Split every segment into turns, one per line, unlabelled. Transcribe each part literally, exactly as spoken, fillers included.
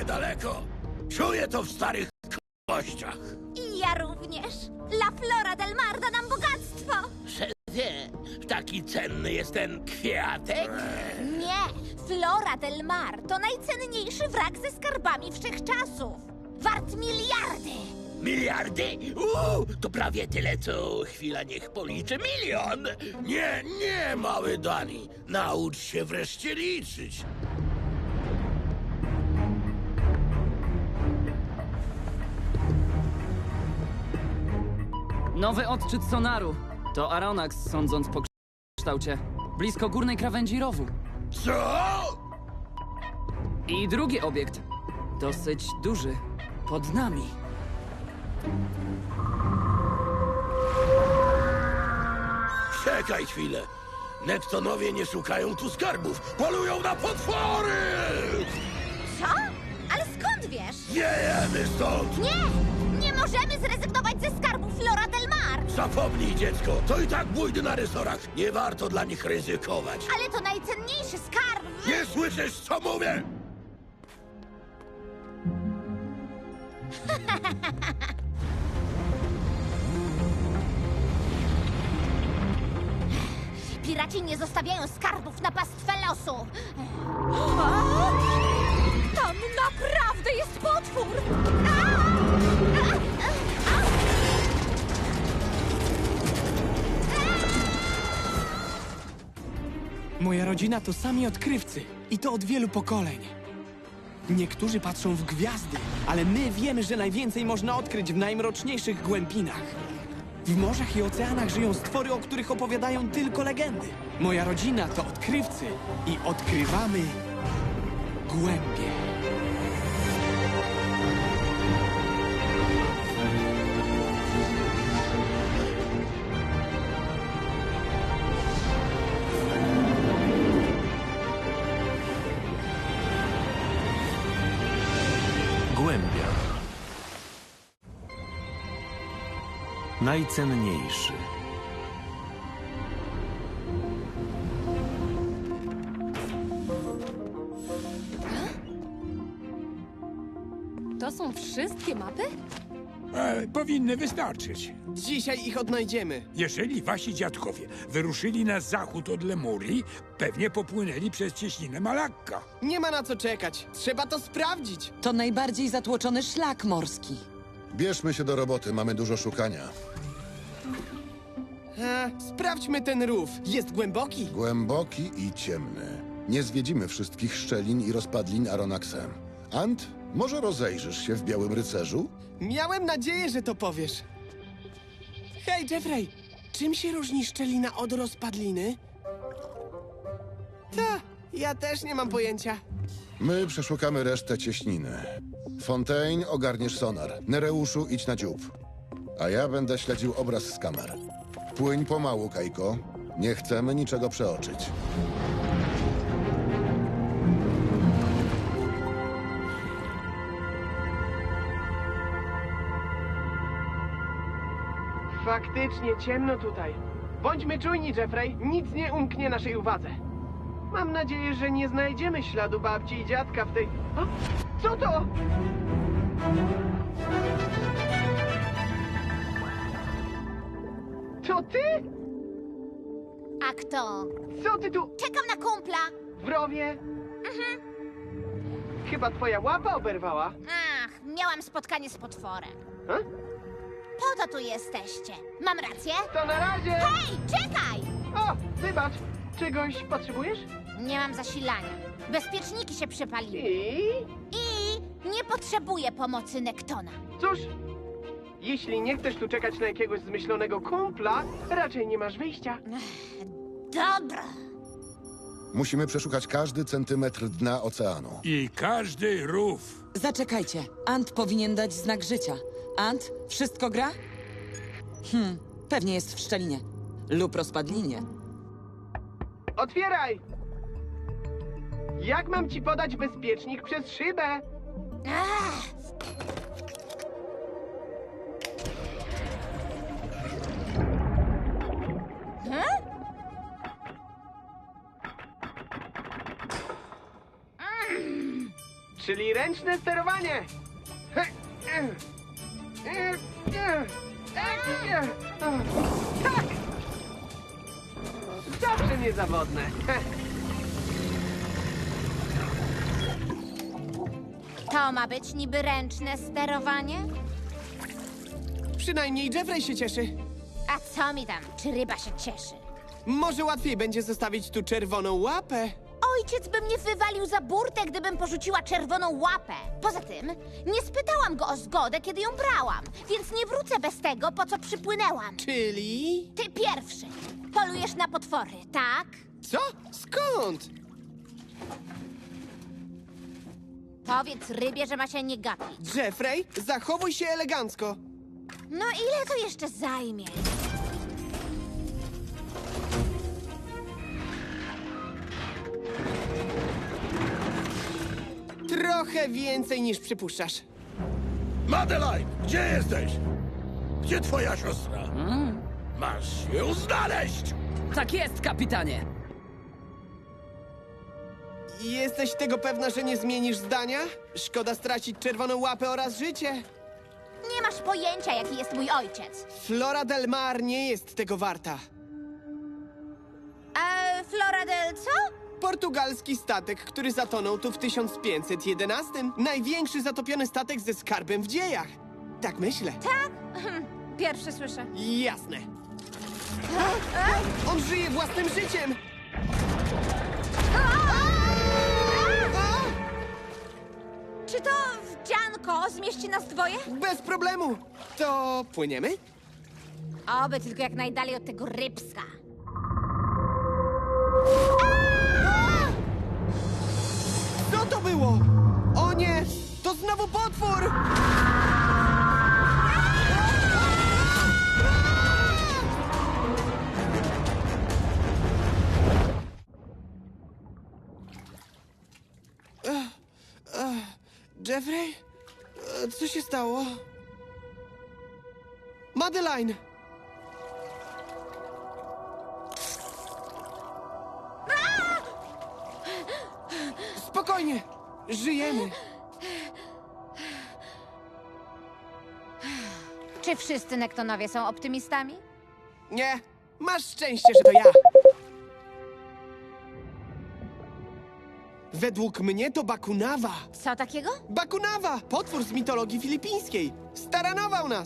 niedaleko. Czuję to w starych kościach.
I ja również. La Flora del Mar da nam bogactwo.
Szefie, taki cenny jest ten kwiatek?
Nie, Flora del Mar to najcenniejszy wrak ze skarbami wszechczasów. Wart miliardy.
Miliardy? Uuu, to prawie tyle, co chwila niech policzy milion.
Nie, nie, mały Dani. Naucz się wreszcie liczyć.
Nowy odczyt sonaru. To Aronax, sądząc po kształcie. Blisko górnej krawędzi rowu.
Co?
I drugi obiekt. Dosyć duży. Pod nami.
Czekaj chwilę. Nektonowie nie szukają tu skarbów. Polują na potwory!
Co? Ale skąd wiesz?
Wiejemy stąd!
Nie! Nie możemy zrezygnować ze skarbu Flora del Mar.
Zapomnij, dziecko. To i tak bójdy na rysorach. Nie warto dla nich ryzykować.
Ale to najcenniejszy skarb w...
Nie słyszysz, co mówię?
Piraci nie zostawiają skarbów na pastwę losu. Tam naprawdę jest potwór!
Moja rodzina to sami odkrywcy i to od wielu pokoleń. Niektórzy patrzą w gwiazdy, ale my wiemy, że najwięcej można odkryć w najmroczniejszych głębinach. W morzach i oceanach żyją stwory, o których opowiadają tylko legendy. Moja rodzina to odkrywcy i odkrywamy głębie.
Głębia. Najcenniejszy.
To są wszystkie mapy?
E, powinny wystarczyć.
Dzisiaj ich odnajdziemy.
Jeżeli wasi dziadkowie wyruszyli na zachód od Lemurii, pewnie popłynęli przez cieśninę Malakka.
Nie ma na co czekać. Trzeba to sprawdzić.
To najbardziej zatłoczony szlak morski.
Bierzmy się do roboty, mamy dużo szukania.
E, sprawdźmy ten rów. Jest głęboki?
Głęboki i ciemny. Nie zwiedzimy wszystkich szczelin i rozpadlin Aronaxem. Ant, może rozejrzysz się w Białym Rycerzu?
Miałem nadzieję, że to powiesz. Hej, Jeffrey! Czym się różni szczelina od rozpadliny? Ta, ja też nie mam pojęcia.
My przeszukamy resztę cieśniny. Fontaine, ogarniesz sonar. Nereuszu, idź na dziób. A ja będę śledził obraz z kamer. Płyń pomału, Kajko. Nie chcemy niczego przeoczyć.
Faktycznie ciemno tutaj. Bądźmy czujni, Jeffrey. Nic nie umknie naszej uwadze. Mam nadzieję, że nie znajdziemy śladu babci i dziadka w tej... O, co to? To ty?
A kto?
Co ty tu
Czekam na kumpla.
w rowie? Chyba twoja łapa oberwała.
Ach, miałam spotkanie z potworem.
Ha?
Po to tu jesteście. Mam rację?
To na razie!
Hej, czekaj!
O, wybacz. Czegoś potrzebujesz?
Nie mam zasilania. Bezpieczniki się przepaliły.
I...
I nie potrzebuję pomocy Nektona.
Cóż, jeśli nie chcesz tu czekać na jakiegoś zmyślonego kumpla, raczej nie masz wyjścia.
Dobra.
Musimy przeszukać każdy centymetr dna oceanu.
I każdy rów.
Zaczekajcie. Ant powinien dać znak życia. Ant, wszystko gra? Hmm, pewnie jest w szczelinie. Lub rozpadlinie.
Otwieraj! Jak mam ci podać bezpiecznik przez szybę?
Ach,
czyli ręczne sterowanie. Tak! Zawsze niezawodne.
To ma być niby ręczne sterowanie?
Przynajmniej Jeffrey się cieszy.
A co mi tam, czy ryba się cieszy?
Może łatwiej będzie zostawić tu czerwoną łapę.
Ojciec by mnie wywalił za burtę, gdybym porzuciła czerwoną łapę. Poza tym, nie spytałam go o zgodę, kiedy ją brałam, więc nie wrócę bez tego, po co przypłynęłam.
Czyli...
Ty pierwszy. Polujesz na potwory, tak?
Co? Skąd?
Powiedz rybie, że ma się nie gapić.
Jeffrey, zachowuj się elegancko.
No ile to jeszcze zajmie?
Trochę więcej niż przypuszczasz.
Madeline, gdzie jesteś? Gdzie twoja siostra? Masz ją znaleźć!
Tak jest, kapitanie!
Jesteś tego pewna, że nie zmienisz zdania? Szkoda stracić czerwoną łapę oraz życie.
Nie masz pojęcia, jaki jest mój ojciec.
Flora del Mar nie jest tego warta.
A Flora del co?
Portugalski statek, który zatonął tu w tysiąc pięćset jedenastym. Największy zatopiony statek ze skarbem w dziejach. Tak myślę.
Tak? Pierwszy słyszę.
Jasne. On żyje własnym życiem!
Czy to wdzianko zmieści nas dwoje?
Bez problemu! To płyniemy?
Oby tylko jak najdalej od tego rybska.
Co to było? O nie! To znowu potwór! Ech, ech, Jeffrey? E, Co się stało? Madeline! Spokojnie! Żyjemy!
Czy wszyscy Nektonowie są optymistami?
Nie! Masz szczęście, że to ja! Według mnie to Bakunawa!
Co takiego?
Bakunawa! Potwór z mitologii filipińskiej! Staranował nas!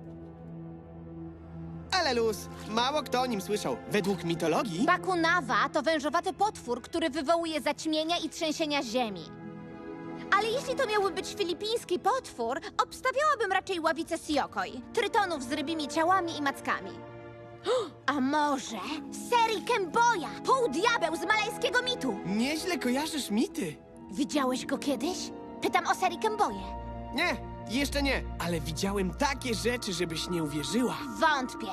Ale luz, mało kto o nim słyszał. Według mitologii...
Bakunawa to wężowaty potwór, który wywołuje zaćmienia i trzęsienia ziemi. Ale jeśli to miałby być filipiński potwór, obstawiałabym raczej ławicę Siokoj, trytonów z rybimi ciałami i mackami. A może Seri Kemboja, półdiabeł z malajskiego mitu?
Nieźle kojarzysz mity.
Widziałeś go kiedyś? Pytam o Seri Kemboję.
Nie, jeszcze nie. Ale widziałem takie rzeczy, żebyś nie uwierzyła.
Wątpię.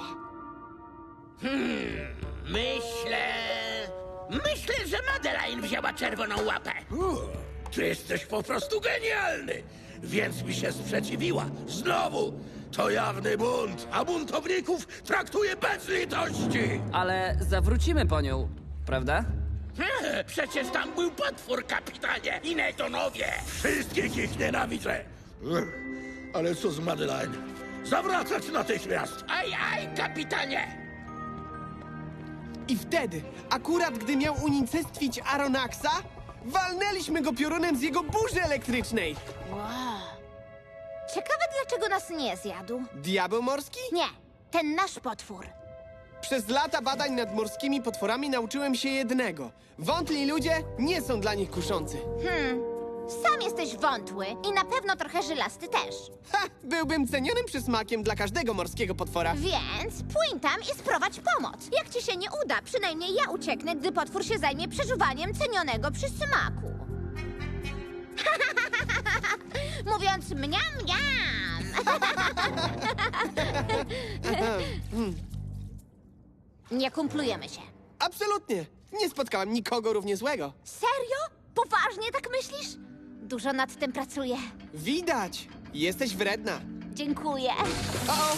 Myślę... Myślę, że Madeline wzięła czerwoną łapę.
U, ty jesteś po prostu genialny! Więc mi się sprzeciwiła. Znowu! To jawny bunt, a buntowników traktuje bez litości!
Ale zawrócimy po nią, prawda?
He, Przecież tam był potwór, kapitanie, i Nektonowie.
Wszystkich ich nienawidzę! Ech, ale co z Madeline? Zawracać natychmiast!
Aj, aj, kapitanie!
I wtedy, akurat gdy miał unicestwić Aronaxa, walnęliśmy go piorunem z jego burzy elektrycznej.
Wow. Ciekawe, dlaczego nas nie zjadł.
Diabeł morski?
Nie, ten nasz potwór.
Przez lata badań nad morskimi potworami nauczyłem się jednego. Wątli ludzie nie są dla nich kuszący.
Hmm, sam jesteś wątły i na pewno trochę żylasty też.
Ha! Byłbym cenionym przysmakiem dla każdego morskiego potwora.
Więc płyń tam i sprowadź pomoc. Jak ci się nie uda, przynajmniej ja ucieknę, gdy potwór się zajmie przeżuwaniem cenionego przysmaku. Mówiąc mniam, mniam. Nie kumplujemy się.
Absolutnie. Nie spotkałem nikogo równie złego.
Serio? Poważnie tak myślisz? Dużo nad tym pracuję.
Widać. Jesteś wredna.
Dziękuję.
O, o.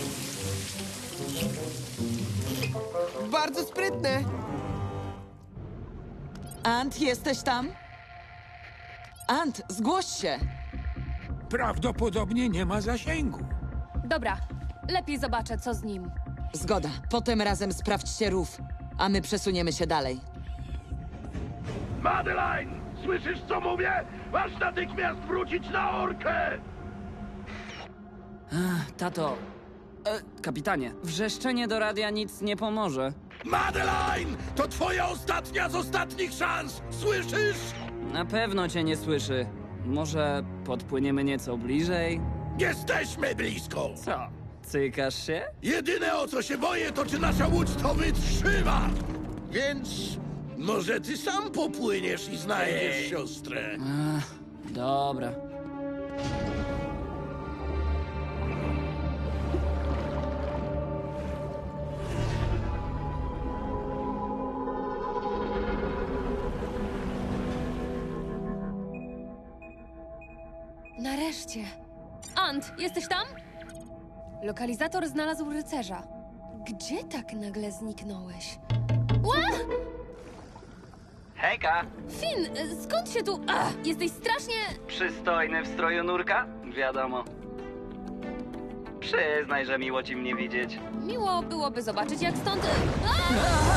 Bardzo sprytne.
Ant, jesteś tam? Ant, zgłoś się!
Prawdopodobnie nie ma zasięgu.
Dobra, lepiej zobaczę, co z nim.
Zgoda. Potem razem sprawdźcie rów, a my przesuniemy się dalej.
Madeline, słyszysz co mówię? Masz natychmiast wrócić na orkę!
Tato. E, kapitanie, wrzeszczenie do radia nic nie pomoże.
Madeline, to twoja ostatnia z ostatnich szans, słyszysz?
Na pewno cię nie słyszy. Może podpłyniemy nieco bliżej?
Jesteśmy blisko!
Co? Cykasz się?
Jedyne o co się boję, to czy nasza łódź to wytrzyma! Więc może ty sam popłyniesz i znajdziesz siostrę.
Ach, dobra.
Nareszcie. Ant, jesteś tam? Lokalizator znalazł rycerza. Gdzie tak nagle zniknąłeś? Ła!
Hejka!
Finn, skąd się tu... Ach, jesteś strasznie...
Przystojny w stroju nurka? Wiadomo. Przyznaj, że miło ci mnie widzieć.
Miło byłoby zobaczyć, jak stąd... A!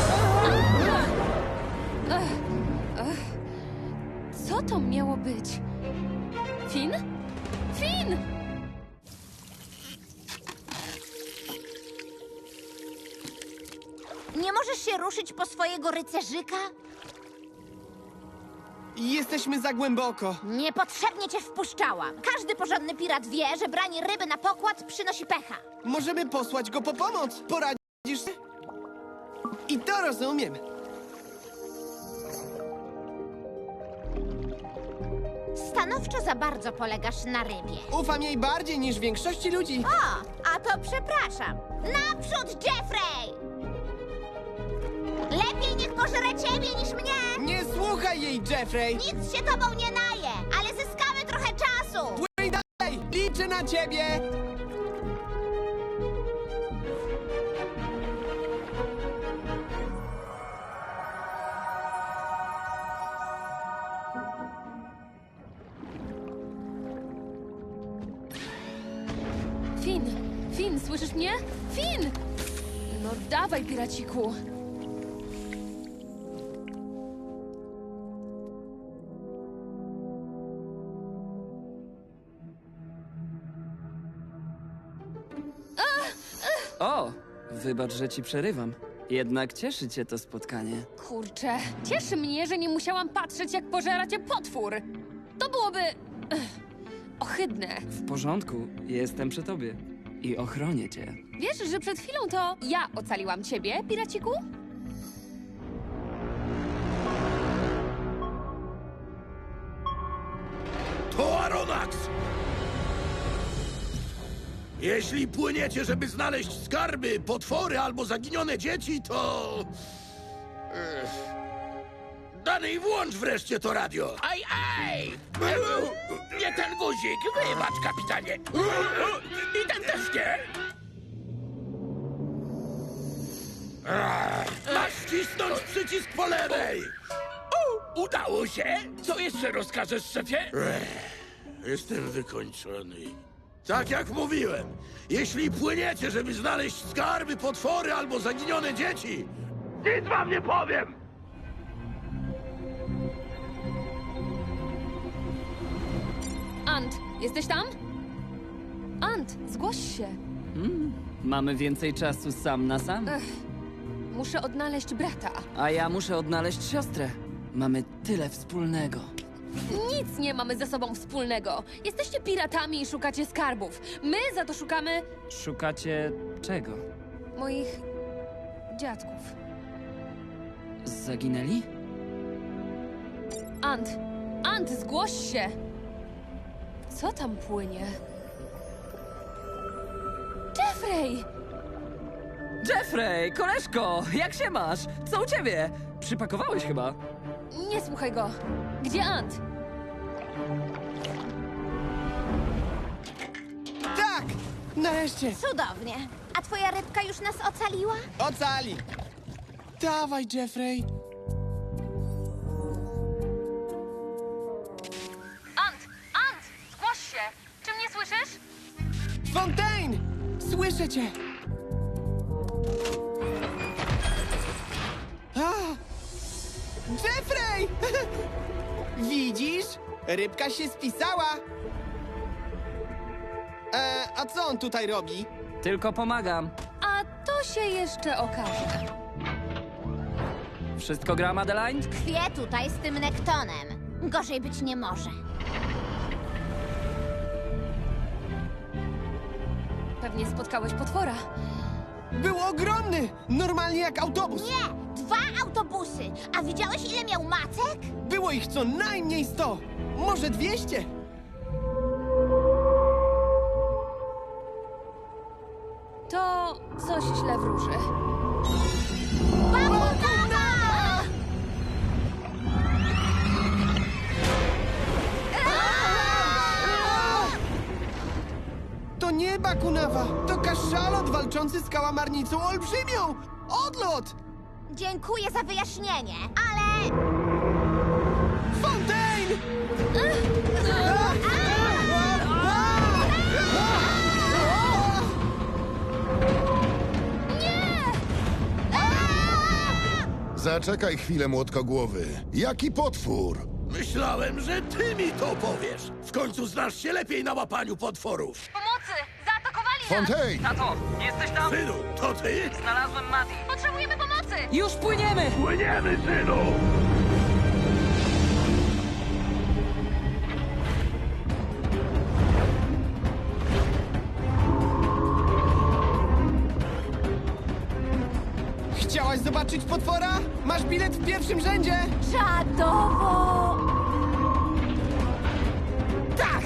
Ach, ach. Co to miało być? Finn? Finn!
Nie możesz się ruszyć po swojego rycerzyka?
Jesteśmy za głęboko.
Niepotrzebnie cię wpuszczałam. Każdy porządny pirat wie, że branie ryby na pokład przynosi pecha.
Możemy posłać go po pomoc. Poradzisz się? I to rozumiem.
Stanowczo za bardzo polegasz na rybie.
Ufam jej bardziej niż większości ludzi.
O, a to przepraszam. Naprzód, Jeffrey! Lepiej niech pożre ciebie niż mnie!
Nie słuchaj jej, Jeffrey!
Nic się tobą nie naje, ale zyskamy trochę czasu!
Płyń dalej! Liczę na ciebie!
Finn! Finn, słyszysz mnie? Finn! No dawaj, piraciku!
O! Wybacz, że ci przerywam. Jednak cieszy cię to spotkanie.
Kurczę, cieszy mnie, że nie musiałam patrzeć, jak pożera cię potwór. To byłoby... ech, ohydne.
W porządku, jestem przy tobie. I ochronię cię.
Wiesz, że przed chwilą to ja ocaliłam ciebie, piraciku?
To Aronax! Jeśli płyniecie, żeby znaleźć skarby, potwory albo zaginione dzieci, to... Ech. Danej, włącz wreszcie to radio!
Aj, aj! Nie ten guzik, wybacz, kapitanie. I ten też nie.
Masz wcisnąć przycisk po lewej!
U, udało się? Co jeszcze rozkażesz, szefie?
Jestem wykończony. Tak jak mówiłem, jeśli płyniecie, żeby znaleźć skarby, potwory albo zaginione dzieci, nic wam nie powiem!
Ant, jesteś tam? Ant, zgłoś się.
Mamy więcej czasu sam na sam.
Ech, muszę odnaleźć brata.
A ja muszę odnaleźć siostrę. Mamy tyle wspólnego.
Nic nie mamy ze sobą wspólnego. Jesteście piratami i szukacie skarbów. My za to szukamy
Szukacie czego?
moich dziadków.
Zaginęli?
Ant, Ant, zgłoś się! Co tam płynie? Jeffrey!
Jeffrey, koleżko, jak się masz? Co u ciebie? Przypakowałeś chyba.
Nie słuchaj go. Gdzie Ant?
Tak! Nareszcie!
Cudownie. A twoja rybka już nas ocaliła?
Ocali! Dawaj, Jeffrey! Fontaine! Słyszę cię! A! Jeffrey! Widzisz? Rybka się spisała! E, a co on tutaj robi?
Tylko pomagam.
A to się jeszcze okaże.
Wszystko gra, Madeline?
Tkwię tutaj z tym Nektonem. Gorzej być nie może.
Pewnie spotkałeś potwora.
Był ogromny! Normalnie jak autobus!
Nie! Dwa autobusy! A widziałeś, ile miał macek?
Było ich co najmniej sto! Może dwieście!
To coś źle wróży.
Bakunawa!
To nie Bakunawa! To kaszalot walczący z kałamarnicą olbrzymią! Odlot!
Dziękuję za wyjaśnienie, ale...
Fontaine!
Zaczekaj chwilę, młotkogłowy. Jaki potwór?
Myślałem, że ty mi to powiesz. W końcu znasz się lepiej na łapaniu potworów.
Pomocy! Zaatakowali nas!
Fontaine!
Tato, jesteś tam?
Synu, to ty?
Znalazłem Mati.
Potrzebujemy pomocy!
Już płyniemy!
Płyniemy, synu!
Chciałaś zobaczyć potwora? Masz bilet w pierwszym rzędzie!
Czadowo!
Tak!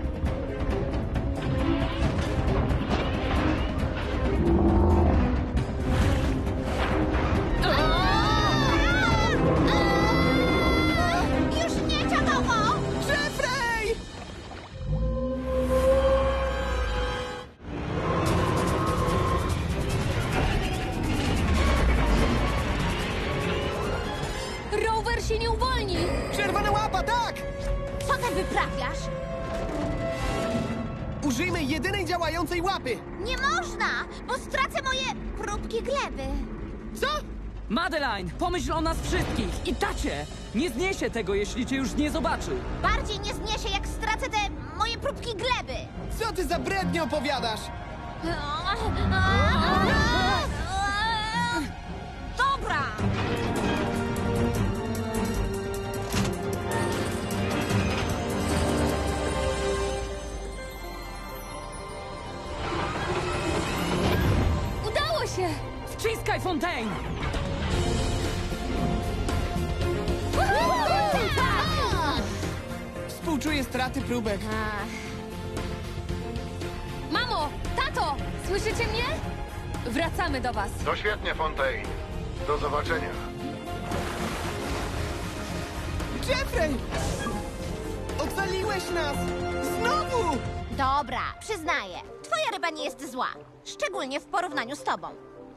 Już nie czadowo!
Jeffrey!
Rower się nie uwolni!
Czerwona łapa, tak!
Co ty wyprawiasz?
Użyjmy jedynej działającej łapy!
Nie można, bo stracę moje próbki gleby.
Co?
Madeline, pomyśl o nas wszystkich. I tacie! Nie zniesie tego, jeśli cię już nie zobaczy.
Bardziej nie zniesie, jak stracę te moje próbki gleby.
Co ty za brednie opowiadasz?
Dobra!
Udało się!
Wciskaj, Fontaine!
Współczuję straty próbek.
Mamo! Tato! Słyszycie mnie? Wracamy do was.
To świetnie, Fontaine. Do zobaczenia.
Jeffrey! Ocaliłeś nas! Znowu!
Dobra, przyznaję. Twoja ryba nie jest zła. Szczególnie w porównaniu z tobą.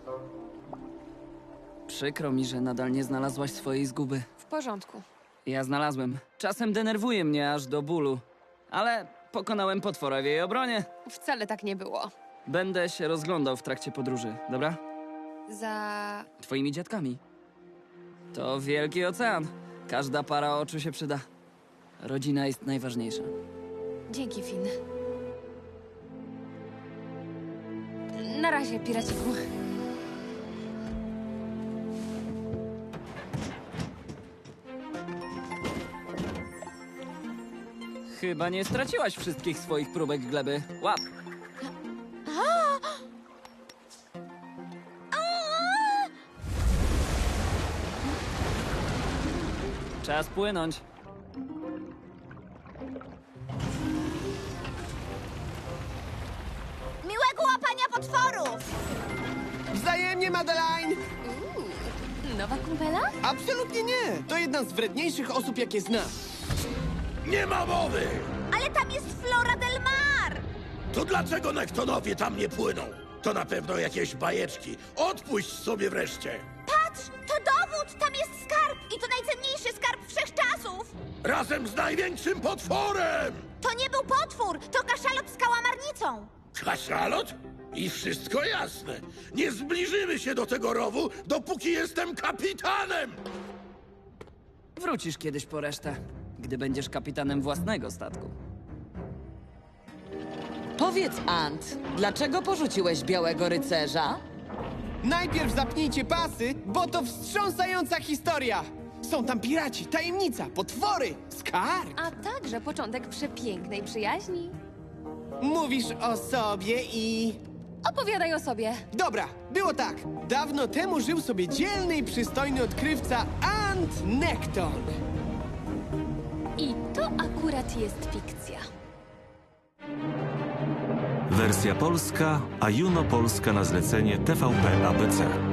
Przykro mi, że nadal nie znalazłaś swojej zguby.
W porządku.
Ja znalazłem. Czasem denerwuje mnie aż do bólu. Ale pokonałem potwora w jej obronie.
Wcale tak nie było.
Będę się rozglądał w trakcie podróży, dobra?
Za...
Twoimi dziadkami. To wielki ocean. Każda para oczu się przyda. Rodzina jest najważniejsza.
Dzięki, Finn. Na razie, piraciku.
Chyba nie straciłaś wszystkich swoich próbek gleby. Łap! Czas płynąć.
Miłego łapania potworów!
Wzajemnie, Madeline!
Nowa kumpela?
Absolutnie nie! To jedna z wredniejszych osób, jakie znam.
Nie ma mowy!
Ale tam jest Flora del Mar!
To dlaczego Nektonowie tam nie płyną? To na pewno jakieś bajeczki. Odpuść sobie wreszcie.
Patrz, to dowód! Tam jest skarb! I to najcenniejszy skarb wszechczasów!
Razem z największym potworem!
To nie był potwór, to kaszalot z kałamarnicą!
Kaszalot? I wszystko jasne. Nie zbliżymy się do tego rowu, dopóki jestem kapitanem!
Wrócisz kiedyś po resztę, gdy będziesz kapitanem własnego statku.
Powiedz, Ant, dlaczego porzuciłeś Białego Rycerza?
Najpierw zapnijcie pasy, bo to wstrząsająca historia! Są tam piraci, tajemnica, potwory, skarb!
A także początek przepięknej przyjaźni.
Mówisz o sobie i...
Opowiadaj o sobie.
Dobra, było tak. Dawno temu żył sobie dzielny i przystojny odkrywca Ant Nekton.
I to akurat jest fikcja.
Wersja polska, a Juno Polska na zlecenie T V P A B C.